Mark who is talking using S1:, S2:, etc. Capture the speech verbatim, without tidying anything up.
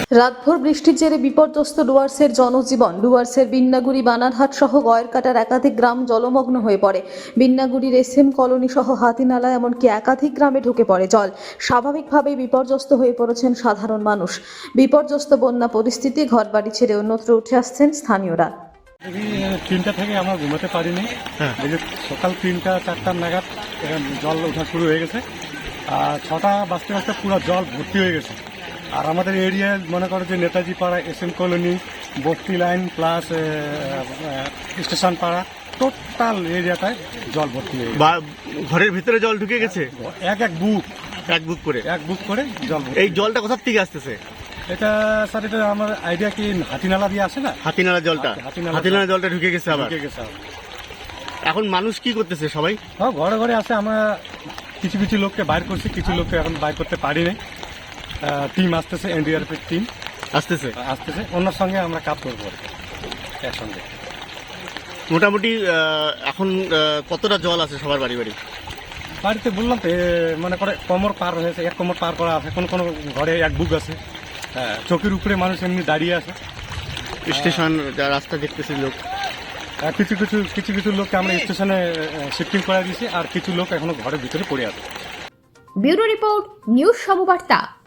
S1: রাতভর বৃষ্টির জেরে বিপর্যস্ত ডুয়ার্সের জনজীবন। ডুয়ার্সের বিন্নাগুড়ি, বানারহাট সহ গয়েরকাটার একাধিক গ্রাম জলমগ্ন হয়ে পড়ে। বিন্নাগুড়ির এসএম কলোনি সহ হাতিনালা এমনকি একাধিক গ্রামে ঢুকে পড়ে জল। স্বাভাবিকভাবেই বিপর্যস্ত হয়ে পড়েছেন সাধারণ মানুষ। বিপর্যস্ত বন্যা পরিস্থিতি, ঘরবাড়ি ছেড়ে অন্যত্র উঠে আসছেন স্থানীয়রা।
S2: তিনটা থেকে আমরা ঘুমাতে পারিনি। এই যে সকাল তিনটা চারটার নাগাদ জল ওঠা শুরু হয়ে গেছে, আর ছটা বাজতে বাজতে পুরো জল ভর্তি হয়ে গেছে। আর আমাদের এরিয়ায় মনে করো যে নেতাজি পাড়া, এস এম কলোনি, বস্তি লাইন প্লাস স্টেশন পাড়া, টোটাল এরিয়াটায় জল ভর্তি হয়ে গেছে।
S3: ঘরের ভিতরে জল ঢুকে গেছে
S2: এক এক বুক
S3: এক বুক করে
S2: এক বুক করে জল।
S3: এই জলটা কোথা থেকে আসতেছে?
S2: এটা স্যার, এটা আমার আইডিয়া কি হাতিনালা দিয়ে আসে না?
S3: হাতিনালা জলটা
S2: হাতিনালা
S3: হাতিনালা জলটা ঢুকে গেছে আবার।
S2: ঢুকে গেছে।
S3: এখন মানুষ কি করতেছে? সবাই
S2: হ্যাঁ, ঘরে ঘরে আছে। আমরা কিছু কিছু লোককে বাইর করছি, কিছু লোককে এখন বাইর করতে পারি নাই। টিম আসতেছে, এনডিআরএফ এর টিম
S3: আসতেছে
S2: আসতেছে ওনার সঙ্গে আমরা কাজ করবো একসঙ্গে।
S3: মোটামুটি আহ, এখন আহ, কতটা জল আছে সবার বাড়ি বাড়ি?
S2: বাড়িতে বললাম তো, মনে করে কোমর পার হয়েছে, এক কোমর পার করা আছে। কোনো কোনো ঘরে এক বুক আছে। হ্যাঁ, চোখের উপরে মানুষ এমনি দাঁড়িয়ে আছে।
S3: স্টেশন রাস্তা দেখতেছি লোক।
S2: আর কিছু কিছু কিছু কিছু লোককে আমরা স্টেশনে শিফটিং করে দিয়েছি, আর কিছু লোক এখনো ঘরের ভিতরে পড়ে আছে।
S4: Bureau report, news সমবার্তা।